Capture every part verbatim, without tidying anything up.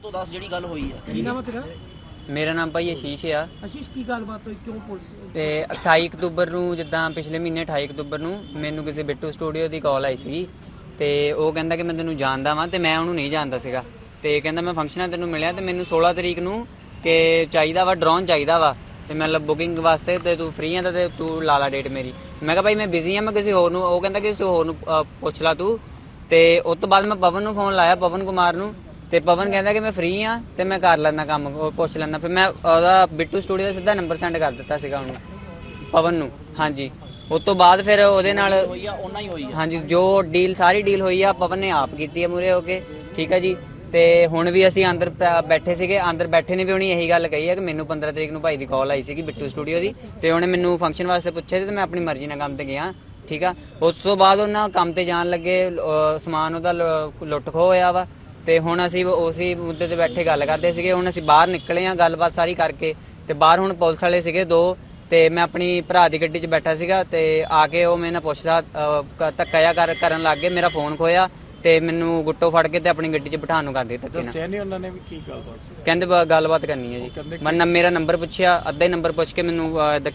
ਤੋਂ ਦਸ ਜਿਹੜੀ ਗੱਲ ਹੋਈ ਹੈ। ਕੀ ਨਾਮ ਹੈ ਤੇਰਾ? ਮੇਰਾ ਨਾਮ ਭਾਈ ਆਸ਼ੀਸ਼ ਆ। ਆਸ਼ੀਸ਼, ਕੀ ਗੱਲਬਾਤ ਹੋਈ, ਕਿਉਂ ਪੁਲਿਸ? ਤੇ ਅਠਾਈ ਅਕਤੂਬਰ ਨੂੰ, ਜਿੱਦਾਂ ਪਿਛਲੇ ਮਹੀਨੇ ਅਠਾਈ ਅਕਤੂਬਰ ਨੂੰ ਮੈਨੂੰ ਕਿਸੇ ਬਿੱਟੂ ਸਟੂਡੀਓ ਦੀ ਕਾਲ ਆਈ ਸੀਗੀ ਤੇ ਉਹ ਕਹਿੰਦਾ ਕਿ ਮੈਂ ਤੈਨੂੰ ਜਾਣਦਾ ਵਾਂ ਤੇ ਮੈਂ ਉਹਨੂੰ ਨਹੀਂ ਜਾਣਦਾ ਸੀਗਾ ਤੇ ਕਹਿੰਦਾ ਮੈਂ ਫੰਕਸ਼ਨਾਂ ਤੈਨੂੰ ਮਿਲਿਆ ਤੇ ਮੈਨੂੰ ਸੋਲਾਂ ਤਰੀਕ ਨੂੰ ਕਿ ਚਾਹੀਦਾ ਵਾ ਡਰੋਨ ਚਾਹੀਦਾ ਵਾ ਤੇ ਮਤਲਬ ਬੁਕਿੰਗ ਵਾਸਤੇ ਤੇ ਤੂੰ ਫ੍ਰੀ ਆ ਤਾਂ ਤੇ ਤੂੰ ਲਾ ਲਾ ਡੇਟ ਮੇਰੀ। ਮੈਂ ਕਿਹਾ ਭਾਈ ਮੈਂ ਬਿਜ਼ੀ ਆ, ਮੈਂ ਕਿਸੇ ਹੋਰ ਨੂੰ, ਉਹ ਕਹਿੰਦਾ ਕਿਸੇ ਹੋਰ ਨੂੰ ਪੁੱਛ ਲਾ ਤੂੰ। ਤੇ ਉਸ ਤੋਂ ਬਾਅਦ ਮੈਂ ਪਵਨ ਨੂੰ ਫੋਨ ਲਾਇਆ, ਪਵਨ ਕੁਮਾਰ ਨੂੰ, ਤੇ ਪਵਨ ਕਹਿੰਦਾ ਕਿ ਮੈਂ ਫ੍ਰੀ ਆ ਤੇ ਮੈਂ ਕਰ ਲੈਂਦਾ ਕੰਮ, ਉਹ ਪੁੱਛ ਲੈਂਦਾ। ਫਿਰ ਮੈਂ ਉਹਦਾ ਬਿੱਟੂ ਸਟੂਡੀਓ ਦਾ ਸਿੱਧਾ ਨੰਬਰ ਸੈਂਡ ਕਰ ਦਿੱਤਾ ਸੀਗਾ ਉਹਨੂੰ, ਪਵਨ ਨੂੰ। ਹਾਂਜੀ, ਉਸ ਤੋਂ ਬਾਅਦ ਫਿਰ ਉਹਦੇ ਨਾਲ ਹੋਈ ਆ ਉਹਨਾਂ ਹੀ ਹੋਈ ਆ। ਹਾਂਜੀ, ਜੋ ਡੀਲ ਸਾਰੀ ਡੀਲ ਹੋਈ ਆ ਪਵਨ ਨੇ ਆਪ ਕੀਤੀ ਹੈ ਮੂਰੇ ਹੋ ਕੇ, ਠੀਕ ਹੈ ਜੀ। ਤੇ ਹੁਣ ਵੀ ਅਸੀਂ ਅੰਦਰ ਬੈਠੇ ਸੀਗੇ, ਅੰਦਰ ਬੈਠੇ ਨੇ ਵੀ ਉਹਨੇ ਇਹੀ ਗੱਲ ਕਹੀ ਹੈ ਕਿ ਮੈਨੂੰ ਪੰਦਰਾਂ ਤਰੀਕ ਨੂੰ ਭਾਈ ਦੀ ਕਾਲ ਆਈ ਸੀਗੀ ਬਿੱਟੂ ਸਟੂਡੀਓ ਦੀ ਤੇ ਉਹਨੇ ਮੈਨੂੰ ਫੰਕਸ਼ਨ ਵਾਸਤੇ ਪੁੱਛਿਆ ਤੇ ਮੈਂ ਆਪਣੀ ਮਰਜ਼ੀ ਨਾਲ ਕੰਮ ਤੇ ਗਿਆ, ਠੀਕ ਆ। ਉਸ ਤੋਂ ਬਾਅਦ ਉਹਨਾਂ ਕੰਮ ਤੇ ਜਾਣ ਲੱਗੇ, ਸਮਾਨ ਉਹਦਾ ਲੁੱਟ ਖੋਹ ਹੋਇਆ ਵਾ ਤੇ ਹੁਣ ਅਸੀਂ ਉਸੇ ਮੁੱਦੇ ਤੇ ਬੈਠੇ ਗੱਲ ਕਰਦੇ ਸੀਗੇ। ਹੁਣ ਅਸੀਂ ਬਾਹਰ ਨਿਕਲੇ ਆ ਗੱਲਬਾਤ ਸਾਰੀ ਕਰਕੇ ਤੇ ਬਾਹਰ ਹੁਣ ਪੁਲਿਸ ਵਾਲੇ ਸੀਗੇ ਦੋ ਤੇ ਮੈਂ ਆਪਣੀ ਭਰਾ ਦੀ ਗੱਡੀ 'ਚ ਬੈਠਾ ਸੀਗਾ ਤੇ ਆ ਕੇ ਉਹ ਮੇਰੇ ਨਾਲ ਪੁੱਛਦਾ ਧੱਕਾ ਜਿਹਾ ਕਰ ਕਰਨ ਲੱਗ ਗਏ, ਮੇਰਾ ਫੋਨ ਖੋਇਆ ਤੇ ਮੈਨੂੰ ਗੁੱਟੋ ਫੜ ਕੇ ਤੇ ਆਪਣੀ ਗੱਡੀ 'ਚ ਬਿਠਾਉਣ ਨੂੰ ਕਰਦੇ ਧੱਕੇ ਨਾਲ। ਦੱਸਿਆ ਨਹੀਂ ਉਹਨਾਂ ਨੇ ਵੀ ਕੀ ਗੱਲਬਾਤ ਸੀ? ਕਹਿੰਦੇ ਗੱਲਬਾਤ ਕਰਨੀ ਹੈ ਜੀ। ਮੈਂ ਮੇਰਾ ਨੰਬਰ ਪੁੱਛਿਆ, ਅੱਧਾ ਹੀ ਨੰਬਰ ਪੁੱਛ ਕੇ ਮੈਨੂੰ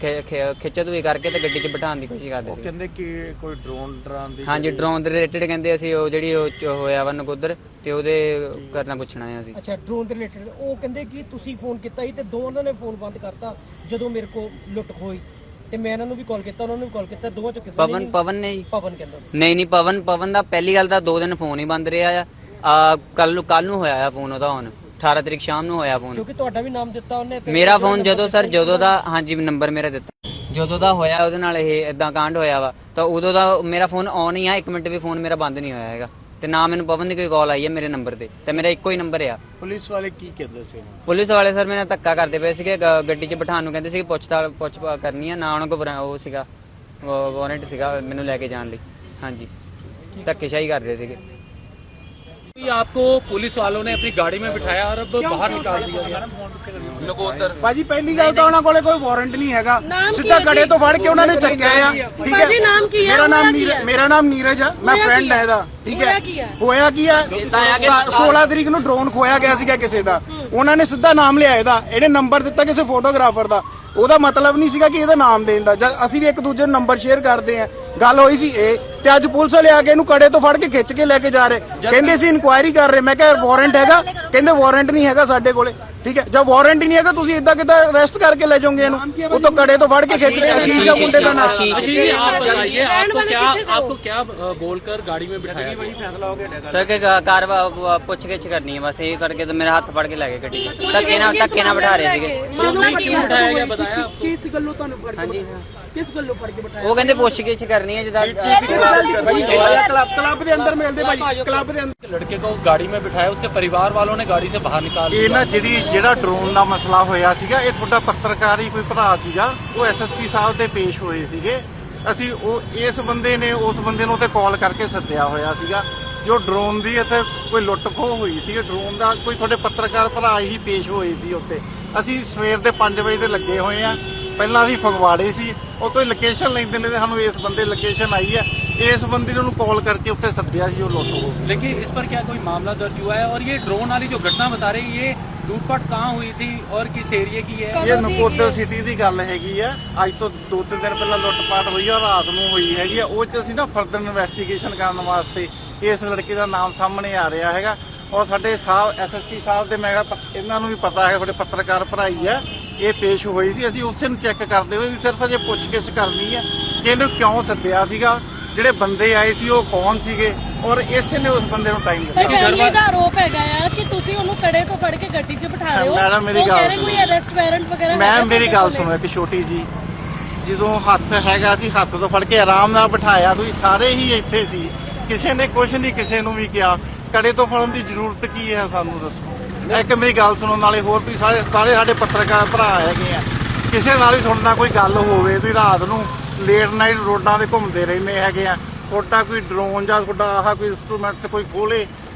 ਖਿੱਚਾ ਧੂਈ ਕਰਕੇ ਤੇ ਗੱਡੀ 'ਚ ਬਿਠਾਉਣ ਦੀ ਕੋਸ਼ਿਸ਼ ਕਰਦੇ ਸੀ। ਕਹਿੰਦੇ ਕਿ ਕੋਈ ਡਰੋਨ ਡਰਾਂ ਦੀ, ਹਾਂਜੀ ਡਰੋਨ ਦੇ ਰਿਲੇਟਡ ਕਹਿੰਦੇ ਅਸੀਂ ਉਹ ਜਿਹੜੀ ਉਹ ਹੋਇਆ ਵਾ ਨਕੋਦਰ ਤੇ ਉਹਦੇ ਕਰਨਾ ਪੁੱਛਣਾ ਹੈ ਅਸੀਂ। ਅੱਛਾ, ਡਰੋਨ ਦੇ ਰਿਲੇਟਡ ਉਹ ਕਹਿੰਦੇ ਕਿ ਤੁਸੀਂ ਫੋਨ ਕੀਤਾ ਸੀ ਤੇ ਦੋਵਾਂ ਨੇ ਫੋਨ ਬੰਦ ਕਰਤਾ ਜਦੋਂ ਮੇਰੇ ਕੋਲ ਲੁੱਟ ਖੋਈ ਤੇ ਮੈਂ ਇਹਨਾਂ ਨੂੰ ਵੀ ਕਾਲ ਕੀਤਾ, ਉਹਨਾਂ ਨੂੰ ਵੀ ਕਾਲ ਕੀਤਾ, ਦੋਵਾਂ ਚੋਂ ਕਿਸੇ ਨੇ ਪਵਨ ਪਵਨ ਨੇ ਜੀ ਪਵਨ ਕਹਿੰਦਾ ਸੀ। ਨਹੀਂ ਨਹੀਂ ਪਵਨ ਪਵਨ ਦਾ ਪਹਿਲੀ ਗੱਲ ਤਾਂ ਦੋ ਦਿਨ ਫੋਨ ਹੀ ਬੰਦ ਰਿਹਾ ਆ। ਕੱਲ ਨੂੰ ਕੱਲ ਨੂੰ ਹੋਇਆ ਆ ਫੋਨ ਉਹਦਾ, ਹੁਣ ਅਠਾਰਾਂ ਤਰੀਕ ਸ਼ਾਮ ਨੂੰ ਹੋਇਆ ਫੋਨ। ਕਿਉਂਕਿ ਤੁਹਾਡਾ ਵੀ ਨਾਮ ਦਿੱਤਾ ਉਹਨੇ ਤੇ ਮੇਰਾ ਫੋਨ ਜਦੋਂ ਸਰ ਜਦੋਂ ਦਾ, ਹਾਂਜੀ ਨੰਬਰ ਮੇਰਾ ਦਿੱਤਾ, ਜਦੋਂ ਦਾ ਹੋਇਆ ਉਹਦੇ ਨਾਲ ਇਹ ਇਦਾਂ ਕਾਂਡ ਹੋਇਆ ਵਾ ਤਾਂ ਉਦੋਂ ਦਾ ਮੇਰਾ ਫੋਨ ਆਨ ਹੀ ਆ, ਇੱਕ ਮਿੰਟ ਵੀ ਫੋਨ ਮੇਰਾ ਬੰਦ ਨਹੀਂ ਹੋਇਆ ਹੈਗਾ ਤੇ ਨਾ ਮੈਨੂੰ ਪਵਨ ਦੀ ਕੋਈ ਕਾਲ ਆਈ ਹੈ ਮੇਰੇ ਨੰਬਰ ਤੇ ਤੇ ਮੇਰਾ ਇੱਕੋ ਹੀ ਨੰਬਰ ਆ। ਪੁਲਿਸ ਵਾਲੇ ਕੀ ਕਹਿੰਦੇ ਸੀ? ਪੁਲਿਸ ਵਾਲੇ ਸਰ ਮੇਰੇ ਧੱਕਾ ਕਰਦੇ ਪਏ ਸੀਗੇ, ਗੱਡੀ 'ਚ ਬਿਠਾਉਣ ਨੂੰ ਕਹਿੰਦੇ ਸੀ, ਪੁੱਛਤਾ ਪੁੱਛ ਕਰਨੀ ਆ, ਨਾ ਉਹਨਾਂ ਕੋਲ ਉਹ ਸੀਗਾ ਵਾਰੰਟ ਸੀਗਾ ਮੈਨੂੰ ਲੈ ਕੇ ਜਾਣ ਲਈ। ਹਾਂਜੀ, ਧੱਕੇਸ਼ਾਹੀ ਕਰਦੇ ਸੀਗੇ। आपको पुलिस वालों ने अपनी गाड़ी में बिठाया और अब बाहर निकाल दिया गया नकोदर। ਭਾਜੀ ਪਹਿਲੀ ਗੱਲ ਤਾਂ ਉਹਨਾਂ ਕੋਲੇ ਕੋਈ ਵਾਰੰਟ ਨਹੀਂ ਹੈਗਾ, ਸਿੱਧਾ ਕੜੇ ਤੋਂ ਫੜ ਕੇ ਉਹਨਾਂ ਨੇ ਚੱਕਿਆ ਆ, ਠੀਕ ਹੈ। ਮੇਰਾ ਨਾਮ ਨੀਰਜ, ਮੇਰਾ ਨਾਮ ਨੀਰਜ ਆ, ਮੈਂ ਫਰੈਂਡ ਹੈ ਇਹਦਾ, ਠੀਕ ਹੈ। ਹੋਇਆ ਕੀ ਆ, ਸੋਲਾਂ ਤਰੀਕ ਨੂੰ ਡਰੋਨ ਖੋਇਆ ਗਿਆ ਸੀਗਾ ਕਿਸੇ ਦਾ, ਉਹਨਾਂ ਨੇ ਸਿੱਧਾ ਨਾਮ ਲਿਆ ਇਹਦਾ, ਇਹਨੇ ਨੰਬਰ ਦਿੱਤਾ ਕਿਸੇ ਫੋਟੋਗ੍ਰਾਫਰ ਦਾ, ਉਹਦਾ ਮਤਲਬ ਨਹੀਂ ਸੀਗਾ ਕਿ ਇਹਦਾ ਨਾਮ ਦੇਣ ਦਾ। ਅਸੀਂ ਵੀ ਇੱਕ ਦੂਜੇ ਨੂੰ ਨੰਬਰ ਸ਼ੇਅਰ ਕਰਦੇ ਆ, ਗੱਲ ਹੋਈ ਸੀ ਇਹ ਤੇ ਅੱਜ ਪੁਲਿਸ ਵਾਲੇ ਆ ਕੇ ਇਹਨੂੰ ਕੜੇ ਤੋਂ ਫੜ ਕੇ ਖਿੱਚ ਕੇ ਲੈ ਕੇ ਜਾ ਰਹੇ, ਕਹਿੰਦੇ ਸੀ ਇਨਕੁਆਇਰੀ ਕਰ ਰਹੇ। ਮੈਂ ਕਿਹਾ ਵਾਰੰਟ ਹੈਗਾ, ਕਹਿੰਦੇ ਵਾਰੰਟ ਨਹੀਂ ਹੈਗਾ ਸਾਡੇ ਕੋਲੇ, ਠੀਕ ਹੈ। ਜਦ ਵਾਰੰਟ ਹੀ ਨਹੀਂ ਹੈਗਾ ਤੁਸੀਂ ਇਦਾਂ ਕਿਦਾਂ ਅਰੈਸਟ ਕਰਕੇ ਲੈ ਜਾਓਗੇ ਇਹਨੂੰ? ਉਹ ਤੋਂ ਕੜੇ ਤੋਂ ਫੜ ਕੇ ਖਿੱਚ ਕੇ ਆਸ਼ੀਸ਼ ਦਾ ਮੁੰਡੇ ਦਾ ਨਾਮ। आशीष जी आप बताइए, आपको क्या आपको क्या बोलकर गाड़ी में बिठाया? ਸਰ ਕਿ ਕਾਰ ਪੁੱਛ ਗਿੱਛ ਕਰਨੀ ਹੈ ਬਸ, ਇਹ ਕਰਕੇ ਤੇ ਮੇਰਾ ਹੱਥ ਫੜ ਕੇ ਲੈ ਗਏ ਗੱਡੀ 'ਚ, ਧੱਕੇ ਨਾਲ ਧੱਕੇ ਨਾਲ ਬਿਠਾ ਰਹੇ ਸੀਗੇ। क्यों बिठाया गया बताया? ਕਿਸ ਗੱਲੋਂ ਤੁਹਾਨੂੰ ਫੜ ਕੇ ਕਿਸ ਗੱਲੋਂ ਫੜ ਕੇ ਬਿਠਾਇਆ? ਉਹ ਕਹਿੰਦੇ ਪੁੱਛ ਗਿੱਛ ਕਰਨੀ ਹੈ ਜਿੱਦਾਂ ਕਲੱਬ ਕਲੱਬ ਦੇ ਅੰਦਰ ਮਿਲਦੇ ਭਾਈ, ਕਲੱਬ ਦੇ ਅੰਦਰ। लड़के को गाड़ी में बिठाया, उसके परिवार वालों ने गाड़ी से बाहर निकाल ਇਹ ਨਾ ਜਿਹੜੀ ਜਿਹੜਾ ਡਰੋਨ ਦਾ ਮਸਲਾ ਹੋਇਆ ਸੀਗਾ, ਇਹ ਤੁਹਾਡਾ ਪੱਤਰਕਾਰ ਹੀ ਕੋਈ ਭਰਾ ਸੀਗਾ, ਉਹ ਐਸਐਸਪੀ ਸਾਹਿਬ ਦੇ ਪੇਸ਼ ਹੋਏ ਸੀਗੇ। ਅਸੀਂ ਉਹ ਇਸ ਬੰਦੇ ਨੇ ਉਸ ਬੰਦੇ ਨੂੰ ਤੇ ਕਾਲ ਕਰਕੇ ਸੱਦਿਆ ਹੋਇਆ ਸੀਗਾ, ਜੋ ਡਰੋਨ ਦੀ ਇੱਥੇ ਕੋਈ ਲੁੱਟ ਖੋਹ ਹੋਈ ਸੀ, ਡਰੋਨ ਦਾ ਕੋਈ ਤੁਹਾਡੇ ਪੱਤਰਕਾਰ ਭਰਾ ਹੀ ਪੇਸ਼ ਹੋਏ ਸੀ ਉੱਤੇ। ਅਸੀਂ ਸਵੇਰ ਦੇ ਪੰਜ ਵਜੇ ਦੇ ਲੱਗੇ ਹੋਏ ਆ, ਪਹਿਲਾਂ ਅਸੀਂ ਫਗਵਾੜੇ ਸੀ, ਉਹ ਤੋਂ ਲੋਕੇਸ਼ਨ ਲੈਂਦੇ ਨੇ, ਸਾਨੂੰ ਇਸ ਬੰਦੇ ਲੋਕੇਸ਼ਨ ਆਈ ਹੈ, ਇਸ ਬੰਦੇ ਨੂੰ ਕਾਲ ਕਰਕੇ ਉੱਥੇ ਸੱਦਿਆ ਸੀ, ਉਹ ਲੁੱਟ ਹੋ। लेकिन इस पर क्या कोई मामला दर्ज हुआ है? और ये ड्रोन वाली जो घटना बता रही है, ये लूटपाट कहाँ हुई थी और किस एरिया की है? ਇਹ ਨਕੋਦਰ ਸਿਟੀ ਦੀ ਗੱਲ ਹੈਗੀ ਆ, ਅੱਜ ਤੋਂ ਦੋ ਤਿੰਨ ਦਿਨ ਪਹਿਲਾਂ ਲੁੱਟਪਾਟ ਹੋਈ ਆ, ਰਾਤ ਨੂੰ ਹੋਈ ਹੈਗੀ ਆ। ਉਹ 'ਚ ਅਸੀਂ ਨਾ ਫਰਦਰ ਇਨਵੈਸਟੀਗੇਸ਼ਨ ਕਰਨ ਵਾਸਤੇ ਇਸ ਲੜਕੇ ਦਾ ਨਾਮ ਸਾਹਮਣੇ ਆ ਰਿਹਾ ਹੈਗਾ, ਔਰ ਸਾਡੇ ਸਾਹਿਬ ਐਸਐਸਪੀ ਸਾਹਿਬ ਦੇ, ਮੈਂ ਕਿਹਾ ਇਹਨਾਂ ਨੂੰ ਵੀ ਪਤਾ ਹੈ, ਤੁਹਾਡੇ ਪੱਤਰਕਾਰ ਭਰਾਈ ਆ, ਇਹ ਪੇਸ਼ ਹੋਈ ਸੀ। ਅਸੀਂ ਉਸੇ ਨੂੰ ਚੈੱਕ ਕਰਦੇ ਹੋਏ ਸਿਰਫ ਅਜੇ ਪੁੱਛਗਿੱਛ ਕਰਨੀ ਹੈ ਕਿ ਇਹਨੂੰ ਕਿਉਂ ਸੱਦਿਆ ਸੀਗਾ, ਜਿਹੜੇ ਬੰਦੇ ਆਏ ਸੀ ਉਹ ਕੌਣ ਸੀਗੇ, ਔਰ ਇਸੇ ਨੇ ਉਸ ਬੰਦੇ ਨੂੰ ਟਾਈਮ ਦਿੱਤਾ। ਫੈਮਿਲੀ ਦਾ ਆਰੋਪ ਹੈਗਾ ਆ ਕਿ ਤੁਸੀਂ ਉਹਨੂੰ ਕੜੇ ਤੋਂ ਫੜ ਕੇ ਗੱਡੀ 'ਚ ਬਿਠਾ ਰਹੇ ਹੋ। ਮੈਡਮ ਮੇਰੀ ਗੱਲ ਸੁਣੋ, ਕੋਈ ਅਰੈਸਟ ਵਾਰੰਟ ਵਗੈਰਾ ਮੈਂ ਮੇਰੀ ਗੱਲ ਸੁਣੋ ਇੱਕ ਛੋਟੀ ਜੀ, ਜਦੋਂ ਹੱਥ ਹੈਗਾ ਸੀ ਹੱਥ ਤੋਂ ਫੜ ਕੇ ਆਰਾਮ ਨਾਲ ਬਿਠਾਇਆ, ਤੁਸੀਂ ਸਾਰੇ ਹੀ ਇੱਥੇ ਸੀ, ਕਿਸੇ ਨੇ ਕੁਝ ਨਹੀਂ ਕਿਸੇ ਨੂੰ ਵੀ ਕਿਹਾ। ਕੜੇ ਤੋਂ ਫੜਨ ਦੀ ਜ਼ਰੂਰਤ ਕੀ ਹੈ ਸਾਨੂੰ ਦੱਸੋ। ਇੱਕ ਮੇਰੀ ਗੱਲ ਸੁਣੋ, ਨਾਲੇ ਹੋਰ ਤੁਸੀਂ ਸਾਰੇ ਸਾਰੇ ਸਾਡੇ ਪੱਤਰਕਾਰ ਭਰਾ ਹੈਗੇ ਆ, ਕਿਸੇ ਨਾਲ ਹੀ ਤੁਹਾਡਾ ਕੋਈ ਗੱਲ ਹੋਵੇ, ਤੁਸੀਂ ਰਾਤ ਨੂੰ ਲੇਟ ਨਾਈਟ ਰੋਡਾਂ ਤੇ ਘੁੰਮਦੇ ਰਹਿੰਦੇ ਹੈਗੇ ਆ, ਤੁਹਾਡਾ ਕੋਈ ਡਰੋਨ ਜਾਂ ਤੁਹਾਡਾ ਆਹ ਕੋਈ ਇੰਸਟਰੂਮੈਂਟ ਕੋਈ ਖੋਲੇ,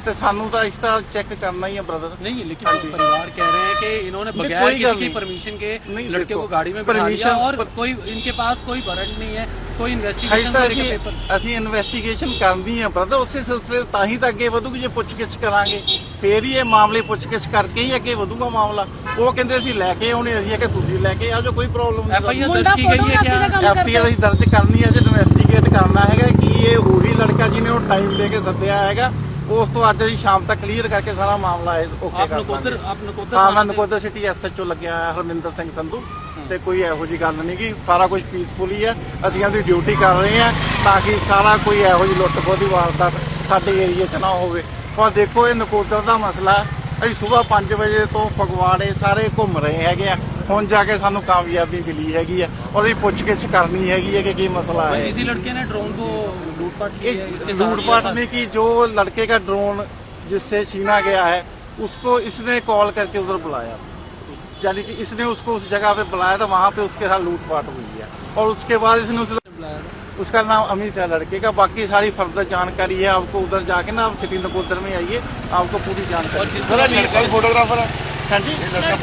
ਤੇ ਸਾਨੂੰ ਤਾਂ ਇਸ ਤਰ੍ਹਾਂ ਚੈੱਕ करना ही है ब्रदर। नहीं, लेकिन तो परिवार कह रहे हैं कि इन्होंने नहीं, बगैर कोई किसी गल की नहीं। परमिशन के नहीं, लड़के देखो, को गाड़ी में बिठा लिया permission- और कोई इनके पास कोई वारंट नहीं है, कोई ਹਜੇ इन्वेस्टिगेशन ਤਾਂ करने ਅਸੀਂ का पेपर। ਅਸੀਂ ਇਨਵੈਸਟੀਗੇਸ਼ਨ ਕਰਨੀ ਹੈ ਬ੍ਰਦਰ, ਉਸੇ ਸਿਲਸਿਲੇ ਤਾਂ ਹੀ ਤਾਂ ਅੱਗੇ ਵਧੂਗੀ ਜੇ ਪੁੱਛਗਿੱਛ ਕਰਾਂਗੇ, ਫੇਰ ਹੀ ਇਹ ਮਾਮਲੇ ਪੁੱਛਗਿੱਛ ਕਰਕੇ ਹੀ ਅੱਗੇ ਵਧੂਗਾ ਮਾਮਲਾ। ਉਹ ਕਹਿੰਦੇ ਅਸੀਂ ਲੈ ਕੇ ਆਉਣੇ, ਅਸੀਂ ਕਿ ਤੁਸੀਂ ਲੈ ਕੇ ਆਜੋ, ਕੋਈ ਪ੍ਰੋਬਲਮ एफ आई ਨਹੀਂ। आर दर्ज की गई है क्या? ਐਫ ਆਈ ਆਰ ਅਸੀਂ ਦਰਜ ਕਰਨੀ ਹੈ, ਜੇ ਇਨਵੈਸਟੀਗੇਟ ਕਰਨਾ ਹੈਗਾ ਕਿ ਇਹ ਉਹੀ ਲੜਕਾ ਜਿਹਨੇ ਉਹ ਟਾਈਮ ਦੇ ਕੇ ਸੱਦਿਆ ਹੈਗਾ। ਉਸ ਤੋਂ ਅੱਜ ਅਸੀਂ ਸ਼ਾਮ ਤੱਕ ਕਲੀਅਰ ਕਰਕੇ ਸਾਰਾ ਮਾਮਲਾ ਓਕੇ आप ਕਰ नकोदर ਦਾਂਗੇ। आप नकोदर ਹਾਂ, ਮੈਂ थाने से- Nakodar city S H O ਲੱਗਿਆ ਹੋਇਆ ਹਰਮਿੰਦਰ ਸਿੰਘ ਸੰਧੂ, ਤੇ ਕੋਈ ਇਹੋ ਜੀ ਗੱਲ ਨਹੀਂ ਕਿ ਸਾਰਾ ਕੁਝ ਪੀਸਫੁਲ ਹੀ ਹੈ। ਅਸੀਂ ਇਹਦੀ ਡਿਊਟੀ ਕਰ ਰਹੇ ਹਾਂ ਤਾਂ ਕਿ ਸਾਰਾ ਕੋਈ ਇਹੋ ਜੀ ਲੁੱਟ ਖੋਹ ਦੀ ਵਾਰਦਾਤ ਸਾਡੇ ਏਰੀਏ 'ਚ ਨਾ ਹੋਵੇ। ਪਰ ਦੇਖੋ, ਇਹ ਨਕੋਦਰ ਦਾ ਮਸਲਾ ਹੈ। ਅਸੀਂ ਸਵੇਰ ਪੰਜ ਵਜੇ ਤੋਂ ਫਗਵਾੜੇ ਸਾਰੇ ਘੁੰਮ ਰਹੇ ਹੈਗੇ ਆ, ਹੁਣ ਜਾ ਕੇ ਸਾਨੂੰ ਕਾਮਯਾਬੀ ਮਿਲੀ ਹੈਗੀ ਹੈ ਔਰ ਇਹ ਪੁੱਛਗਿੱਛ ਕਰਨੀ ਹੈਗੀ ਹੈ ਕਿ ਕੀ ਮਸਲਾ ਹੈ। इसी लड़के ने ड्रोन को लूटपाट की है, ये इसके साथ लूटपाट नहीं की, जो लड़के का ड्रोन जिससे छीना गया है उसको इसने कॉल करके उधर बुलाया, यानी कि इसने उसको उस जगह पे बुलाया था, वहां पे उसके साथ लूटपाट हुई है और उसके बाद इसने उसे बुलाया था। उसका नाम अमित है लड़के का। बाकी सारी फर्दर जानकारी है आपको उधर जाके ना, आप सिटी नकोदर में आइए, आपको पूरी और जानकारी। जिसको लड़का फोटोग्राफर है हाँ जी,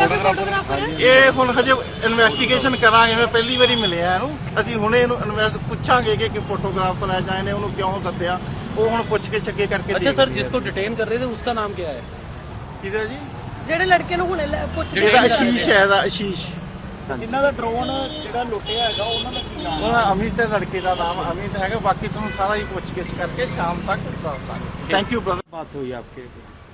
ਇਹ ਹੁਣ ਹਜੇ ਇਨਵੈਸਟੀਗੇਸ਼ਨ ਕਰਾਂਗੇ। ਮੈਂ ਪਹਿਲੀ ਵਾਰੀ ਮਿਲਿਆ ਇਹਨੂੰ, ਅਸੀਂ ਹੁਣੇ ਇਹਨੂੰ ਇਨਵੈਸਟ ਪੁੱਛਾਂਗੇ ਕਿ ਫੋਟੋਗ੍ਰਾਫਰ ਹੈ ਜਾਂ ਇਹਨੇ ਉਹਨੂੰ ਕਿਉਂ ਸੱਦਿਆ, ਉਹ ਹੁਣ ਪੁੱਛ ਕੇ ਛੱਕੇ ਕਰਕੇ अच्छा सर, जिसको डिटेन कर रहे थे उसका नाम क्या है? ਕਿਹਦਾ ਜੀ? ਜਿਹੜੇ ਲੜਕੇ ਨੂੰ ਹੁਣੇ ਲੈ- ਪੁੱਛ ਇਹਦਾ ਆਸ਼ੀਸ਼ ਹੈ, ਇਹਦਾ ਆਸ਼ੀਸ਼। ਇਹਨਾਂ ਦਾ ਡਰੋਨ ਜਿਹੜਾ ਲੁੱਟਿਆ ਹੈਗਾ ਉਹਨਾਂ ਦਾ ਕੀ ਨਾਮ? ਉਹਦਾ ਅਮਿਤ ਹੈ, ਲੜਕੇ ਦਾ ਨਾਮ ਅਮਿਤ ਹੈਗਾ। ਬਾਕੀ ਤੁਹਾਨੂੰ ਸਾਰਾ ਹੀ ਪੁੱਛ-ਗਿੱਛ ਕਰਕੇ ਸ਼ਾਮ ਤੱਕ ਦੱਸ ਦਾਂਗੇ। Thank you brother. बात हुई आपके?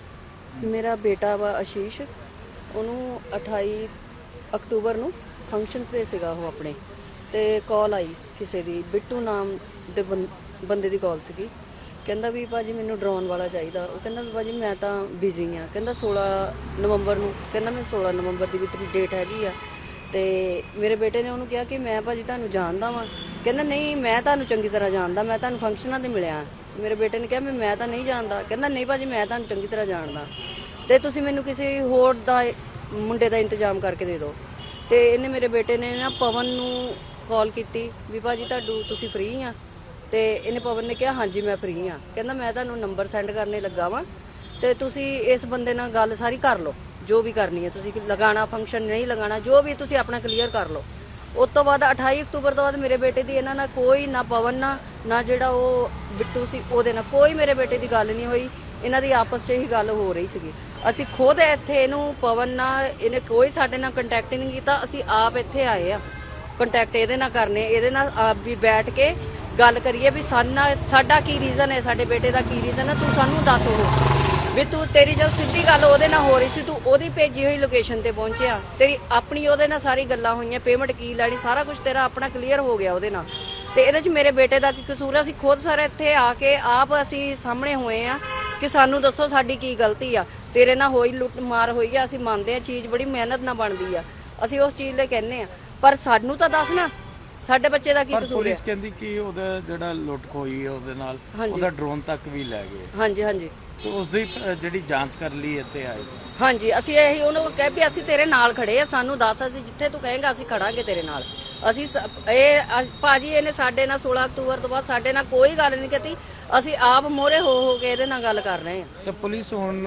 ਮੇਰਾ ਬੇਟਾ ਵਾ ਆਸ਼ੀਸ਼, ਉਹਨੂੰ ਅਠਾਈ ਅਕਤੂਬਰ ਨੂੰ ਫੰਕਸ਼ਨ ਤੇ ਸੀਗਾ ਉਹ ਆਪਣੇ, ਤੇ ਕਾਲ ਆਈ ਕਿਸੇ ਦੀ, ਬਿੱਟੂ ਨਾਮ ਦੇ ਬੰ- ਬੰਦੇ ਦੀ ਕਾਲ ਸੀਗੀ। ਕਹਿੰਦਾ ਵੀ ਭਾਜੀ ਮੈਨੂੰ ਡਰੋਨ ਵਾਲਾ ਚਾਹੀਦਾ। ਉਹ ਕਹਿੰਦਾ ਵੀ ਭਾਜੀ ਮੈਂ ਤਾਂ ਬਿਜ਼ੀ ਆ। ਕਹਿੰਦਾ ਸੋਲਾਂ ਨਵੰਬਰ ਨੂੰ, ਕਹਿੰਦਾ ਮੈਂ ਸੋਲਾਂ ਨਵੰਬਰ ਦੀ ਵੀ ਤੇਰੀ ਡੇਟ ਹੈਗੀ ਆ। ਤੇ ਮੇਰੇ ਬੇਟੇ ਨੇ ਉਹਨੂੰ ਕਿਹਾ ਕਿ ਮੈਂ ਭਾਜੀ ਤੁਹਾਨੂੰ ਜਾਣਦਾ ਵਾਂ। ਕਹਿੰਦਾ ਨਹੀਂ, ਮੈਂ ਤੁਹਾਨੂੰ ਚੰਗੀ ਤਰ੍ਹਾਂ ਜਾਣਦਾ, ਮੈਂ ਤੁਹਾਨੂੰ ਫੰਕਸ਼ਨਾਂ ਤੇ ਮਿਲਿਆ। ਮੇਰੇ ਬੇਟੇ ਨੇ ਕਿਹਾ ਮੈਂ ਮੈਂ ਤਾਂ ਨਹੀਂ ਜਾਣਦਾ। ਕਹਿੰਦਾ ਨਹੀਂ ਭਾਜੀ ਮੈਂ ਤੁਹਾਨੂੰ ਚੰਗੀ ਤਰ੍ਹਾਂ ਜਾਣਦਾ, ਤੇ ਤੁਸੀਂ ਮੈਨੂੰ ਕਿਸੇ ਹੋਰ ਦਾ ਮੁੰਡੇ ਦਾ ਇੰਤਜ਼ਾਮ ਕਰਕੇ ਦੇ ਦਿਓ। ਤੇ ਇਹਨੇ ਮੇਰੇ ਬੇਟੇ ਨੇ ਨਾ ਪਵਨ ਨੂੰ ਕਾਲ ਕੀਤੀ ਵੀ ਭਾਜੀ ਤੁਹਾਨੂੰ ਤੁਸੀਂ ਫ੍ਰੀ ਆ? ਤੇ ਇਹਨੇ ਪਵਨ ਨੇ ਕਿਹਾ ਹਾਂਜੀ ਮੈਂ ਫ੍ਰੀ ਆ। ਕਹਿੰਦਾ ਮੈਂ ਤੁਹਾਨੂੰ ਨੰਬਰ ਸੈਂਡ ਕਰਨੇ ਲੱਗਾ ਵਾਂ, ਤੇ ਤੁਸੀਂ ਇਸ ਬੰਦੇ ਨਾਲ ਗੱਲ ਸਾਰੀ ਕਰ ਲਓ, ਜੋ ਵੀ ਕਰਨੀ ਹੈ ਤੁਸੀਂ, ਲਗਾਣਾ ਫੰਕਸ਼ਨ ਨਹੀਂ ਲਗਾਣਾ ਜੋ ਵੀ ਤੁਸੀਂ ਆਪਣਾ ਕਲੀਅਰ ਕਰ ਲਓ। ਉਸ ਤੋਂ ਬਾਅਦ ਅਠਾਈ ਅਕਤੂਬਰ ਤੋਂ ਬਾਅਦ ਮੇਰੇ ਬੇਟੇ ਦੀ ਇਹਨਾਂ ਨਾਲ ਕੋਈ, ਨਾ ਪਵਨ ਨਾਲ ਨਾ ਜਿਹੜਾ ਉਹ ਬਿੱਟੂ ਸੀ ਉਹਦੇ ਨਾਲ ਕੋਈ ਮੇਰੇ ਬੇਟੇ ਦੀ ਗੱਲ ਨਹੀਂ ਹੋਈ। ਇਹਨਾਂ ਦੀ ਆਪਸ 'ਚ ਹੀ ਗੱਲ ਹੋ ਰਹੀ ਸੀਗੀ। ਅਸੀਂ ਖੁਦ ਇੱਥੇ ਇਹਨੂੰ ਪਵਨ ਨਾਲ, ਇਹਨੇ ਕੋਈ ਸਾਡੇ ਨਾਲ ਕੰਟੈਕਟ ਨਹੀਂ ਕੀਤਾ। ਅਸੀਂ ਆਪ ਇੱਥੇ ਆਏ ਆ ਕੰਟੈਕਟ ਇਹਦੇ ਨਾਲ ਕਰਨੇ, ਇਹਦੇ ਨਾਲ ਆਪ ਵੀ ਬੈਠ ਕੇ ਗੱਲ ਕਰੀਏ ਵੀ ਸਾਡਾ ਸਾਡਾ ਕੀ ਰੀਜ਼ਨ ਹੈ, ਸਾਡੇ ਬੇਟੇ ਦਾ ਕੀ ਰੀਜ਼ਨ ਹੈ, ਤੂੰ ਸਾਨੂੰ ਦੱਸ। ਉਹ ਵੀ ਤੂੰ, ਤੇਰੀ ਜਦ ਸਿੱਧੀ ਗੱਲ ਉਹਦੇ ਨਾਲ ਹੋ ਰਹੀ ਸੀ, ਤੂੰ ਉਹਦੀ ਭੇਜੀ ਹੋਈ ਲੋਕੇਸ਼ਨ ਤੇ ਪਹੁੰਚਿਆ, ਤੇਰੀ ਆਪਣੀ ਉਹਦੇ ਨਾਲ ਸਾਰੀ ਗੱਲਾਂ ਹੋਈਆਂ, ਪੇਮੈਂਟ ਕੀ ਲੈਣੀ, ਸਾਰਾ ਕੁਝ ਤੇਰਾ ਆਪਣਾ ਕਲੀਅਰ ਹੋ ਗਿਆ ਉਹਦੇ ਨਾਲ। ਤੇ ਇਹਦੇ 'ਚ ਮੇਰੇ ਬੇਟੇ ਦਾ ਕੀ ਕਸੂਰ ਹੈ? ਅਸੀਂ ਖੁਦ ਸਾਰੇ ਇੱਥੇ ਆ ਕੇ ਆਪ ਅਸੀਂ ਸਾਹਮਣੇ ਹੋਏ ਆ ਕਿ ਸਾਨੂੰ ਦੱਸੋ ਸਾਡੀ ਕੀ ਗਲਤੀ ਆ। ਤੇਰੇ ਨਾਲ ਹੋਈ ਲੁੱਟ ਮਾਰ ਹੋਈ ਆ, ਅਸੀਂ ਮੰਨਦੇ ਆ, ਚੀਜ਼ ਬੜੀ ਮਿਹਨਤ ਨਾਲ ਬਣਦੀ ਆ, ਅਸੀਂ ਉਸ ਚੀਜ਼ ਲਈ ਕਹਿੰਦੇ ਆ, ਪਰ ਸਾਨੂੰ ਤਾਂ ਦੱਸ ਨਾ ਸਾਡੇ ਬੱਚੇ ਦਾ ਕੀ ਕਸੂਰ ਹੈ। ਪੁਲਿਸ ਕਹਿੰਦੀ ਕਿ ਉਹਦਾ ਜਿਹੜਾ ਲੁੱਟ ਖੋਈ ਹੈ ਉਹਦੇ ਨਾਲ ਹਾਂਜੀ। ਉਹਦਾ ਡਰੋਨ ਤੱਕ ਵੀ ਲੈ ਗਏ, ਹਾਂਜੀ ਹਾਂਜੀ ਤੇ ਉਸ ਦੀ ਅ, ਜਿਹੜੀ ਜਾਂਚ ਕਰ ਲਈ ਇੱਥੇ ਆਏ ਸੀ। ਹਾਂਜੀ, ਅਸੀਂ ਇਹੀ ਉਹਨੂੰ ਕਹਿ ਵੀ ਅਸੀਂ ਤੇਰੇ ਨਾਲ ਖੜੇ ਆ, ਸਾਨੂੰ ਦੱਸ, ਅਸੀਂ ਜਿੱਥੇ ਤੂੰ ਕਹੇਂਗਾ ਅਸੀਂ ਖੜਾਂਗੇ ਤੇਰੇ ਨਾਲ। ਅਸੀਂ ਸ- ਇਹ ਅ- ਭਾਜੀ ਇਹਨੇ ਸਾਡੇ ਨਾਲ ਸੋਲਾਂ ਅਕਤੂਬਰ ਤੋਂ ਬਾਅਦ ਸਾਡੇ ਨਾਲ ਕੋਈ ਗੱਲ ਨਹੀਂ ਕੀਤੀ। ਅਸੀਂ ਆਪ ਮੋਹਰੇ ਹੋ ਹੋ ਕੇ ਇਹਦੇ ਨਾਲ ਗੱਲ ਕਰ ਰਹੇ ਆ। ਤੇ ਪੁਲਿਸ ਹੁਣ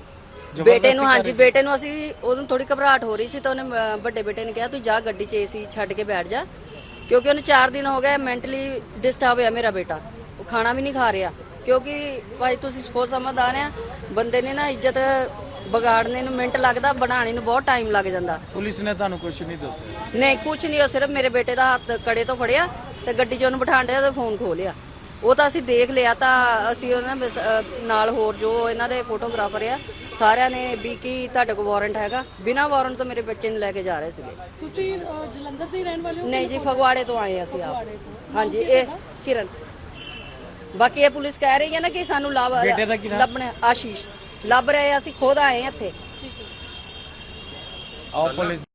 ਬੇਟੇ ਨੂੰ, ਹਾਂਜੀ ਬੇਟੇ ਨੂੰ, ਅਸੀਂ ਉਹਨੂੰ ਥੋੜੀ ਘਬਰਾਹਟ ਹੋ ਰਹੀ ਸੀ ਤਾਂ ਉਹਨੇ ਅ, ਵੱਡੇ ਬੇਟੇ ਨੇ ਕਿਹਾ ਤੂੰ ਜਾ ਗੱਡੀ 'ਚ ਏਸੀ ਛੱਡ ਕੇ ਬੈਠ ਜਾ, ਕਿਉਂਕਿ ਉਹਨੂੰ ਚਾਰ ਦਿਨ ਹੋ ਗਏ ਮੈਂਟਲੀ ਡਿਸਟਰਬ ਹੋਇਆ ਮੇਰਾ ਬੇਟਾ। ਉਹ ਖਾਣਾ ਵੀ ਨਹੀਂ ਖਾ ਰਿਹਾ, ਕਿਉਂਕਿ ਭਾਈ ਤੁਸੀਂ ਸਪੋਜ਼ ਸਮਝਦਾਰ ਆ, ਬੰਦੇ ਨੇ ਨਾ ਇੱਜ਼ਤ ਵਿਗਾੜਨੇ ਨੂੰ ਮਿੰਟ ਲੱਗਦਾ, ਬਣਾਉਣੇ ਨੂੰ ਬਹੁਤ ਟਾਈਮ ਲੱਗ ਜਾਂਦਾ। ਪੁਲਿਸ ਨੇ ਤੁਹਾਨੂੰ ਕੁਝ ਨਹੀਂ ਦੱਸਿਆ? ਨਹੀਂ ਕੁਝ ਨਹੀਂ, ਉਹ ਸਿਰਫ ਮੇਰੇ ਬੇਟੇ ਦਾ ਹੱਥ ਕੜੇ ਤੋਂ ਫੜਿਆ ਤੇ ਗੱਡੀ 'ਚ ਉਹਨੂੰ ਬਿਠਾਣ ਡਿਆ ਤੇ ਫੋਨ ਖੋਹ ਲਿਆ। ਉਹ ਤਾਂ ਅਸੀਂ ਦੇਖ ਲਿਆ, ਤਾਂ ਅਸੀਂ ਉਹਨਾਂ ਵਿੱਚ, ਅ, ਨਾਲ ਹੋਰ ਜੋ ਇਹਨਾਂ ਦੇ ਫੋਟੋਗ੍ਰਾਫਰ ਆ ਸਾਰਿਆਂ ਨੇ ਵੀ ਕੀ ਤੁਹਾਡੇ ਕੋਲ ਵਾਰੰਟ ਹੈਗਾ, ਬਿਨਾਂ ਵਾਰੰਟ ਤੋਂ ਮੇਰੇ ਬੱਚੇ ਨੂੰ ਲੈ ਕੇ ਜਾ ਰਹੇ ਸੀਗੇ। ਤੁਸੀਂ ਅਹ, ਜਲੰਧਰ ਦੇ ਹੀ ਰਹਿਣ ਵਾਲੇ ਹੋ? ਨਹੀਂ ਜੀ, ਫਗਵਾੜੇ ਤੋਂ ਆਏ ਅਸੀਂ ਆਪ। ਹਾਂਜੀ, ਇਹ ਕਿਰਨ। ਬਾਕੀ ਇਹ ਪੁਲਿਸ ਕਹਿ ਰਹੀ ਹੈ ਨਾ ਕਿ ਸਾਨੂੰ ਲੱਭ ਬੇਟੇ ਦਾ ਕੀ ਨਾਮ? ਲੱਭਣਾ, ਆਸ਼ੀਸ਼ ਲੱਭ ਰਹੇ ਆ, ਅਸੀਂ ਖੁਦ ਆਏ ਹਾਂ ਇੱਥੇ। ਆਓ ਪੁਲਿਸ